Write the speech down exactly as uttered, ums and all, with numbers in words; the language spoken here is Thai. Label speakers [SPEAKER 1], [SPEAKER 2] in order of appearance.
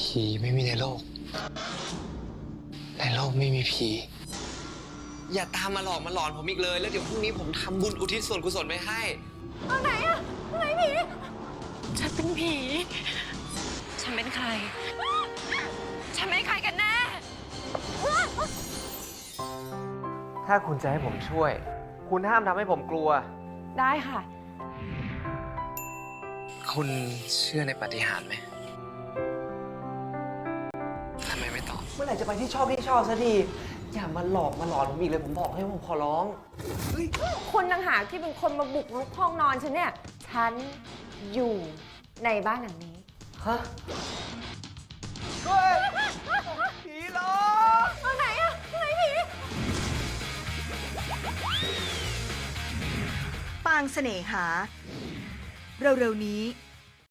[SPEAKER 1] ผีไม่มีในโลก ในโลกไม่มีผี อย่าตามมาหลอกมาหลอนผมอีกเลย แล้วเดี๋ยวพรุ่งนี้ผมทำบุญอุทิศส่วนกุศลไปให้
[SPEAKER 2] ทางไหนอะทางไหนผีฉันเป็นผี ฉันเป็นใคร ฉันเป็นใครกันแน่
[SPEAKER 1] ถ้าคุณจะให้ผมช่วย คุณห้ามทำให้ผมกลัว
[SPEAKER 2] ได้ค่ะ
[SPEAKER 1] คุณเชื่อในปาฏิหาริย์ไหมทำไมไม่ตอบ เมื่อไหร่จะไปที่ชอบที่ชอบซะทีอย่ามาหลอกมาหลอนผมอีกเลย ผมบอกให้ผมขอร้อง
[SPEAKER 2] คุณต่างหากที่เป็นคนมาบุกรุกห้องนอนฉันเนี่ย ฉันอยู่ในบ้านหลังนี้
[SPEAKER 1] ฮะ เฮ้ย ผีหลอก
[SPEAKER 2] ทางไหนอะทางไหนผี
[SPEAKER 3] ปางเสน่หา เร็วๆนี้